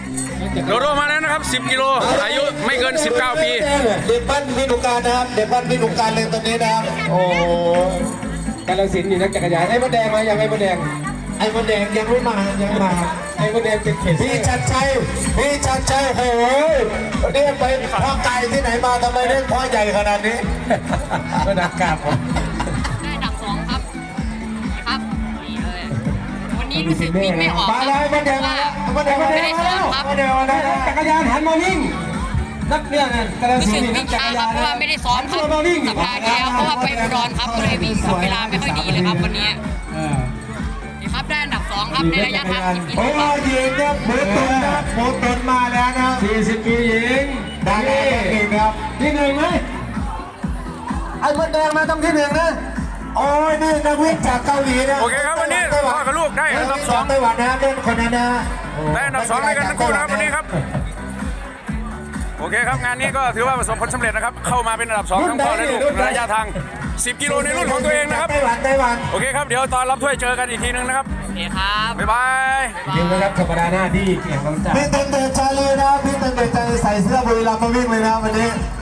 โดโดมาแล้วนะครับ10 กิโลอายุไม่เกิน 19 ปีเด็กบ้านพินุการนะครับเด็กบ้านพินุการเลยตอนนี้นะครับโอ้กาฬสินธุ์นี่นักจักรยานไอ้มดแดงมายังไอ้มดแดงไอ้มดแดงยังไม่มายังมาไอ้มดแดงเป็นเขตพี่ชัดชัยโอ้โหนี่ไปพ่อไก่ที่ไหนมาทำไมเล่นพ่อใหญ่ขนาดนี้ก็นักกราบผมได้อันดับ2ครับครับนี่เลยวันนี้รู้สึกวิ่งไม่ออกมาเลยมดแดงมาแล้วมดแดงมาแล้วมดแดงมาแล้วจักรยานหันมาวิ่งนักเรียนกาฬรู้สิสึนกธุ์นี่นัวิ่กงจักช้าร คยารับนเพราะว่าไม่ได้ซ้อมครับสัปดาห์ที่แล้วเพราะว่าไปอุดรครับก็เลยวิ่งทำเวลาไม่ค่อยดีเลยครับวันนี้นี่ครับได้อันดับ2ครับในระยะทาง10 กิโลโอ้ครับหญิงเนี่ยหมูตุนนะหมูตุนมาแล้วนะ40 ปีหญิงได้ที่1ครับที่1ไหมไอ้มดแดงมาต้องที่1นะโอ้ยนี่นักวิ่งจากเกาหลีนะโอเคครับวันนี้พ่อกับลูกได้อันดับ2 ไต้หวันนะเล่นคนนั้นนะได้อันดับ2ด้วยกันทั้งคู่นะครับวันนี้ครับโอเคครับงานนี้ก็ถือว่าประสบผลสำเร็จนะครับเข้ามาเป็นอันดับ2ทั้งพ่อและลูกระยะทาง10 กิโลในรุ่นของตัวเองนะครับไต้หวันโอเคครับเดี๋ยวตอนรับถ้วยเจอกันอีกทีนึงนะครับโอเคครับบ๊ายบายยิงนะครับสัปดาห์หน้าที่เกี่ยวกับพี่เต้นเตะใจเลยนะพี่เต้นเตะใจใส่เสื้อบุรีรัมย์มาวิ่งเลยนะวันนี้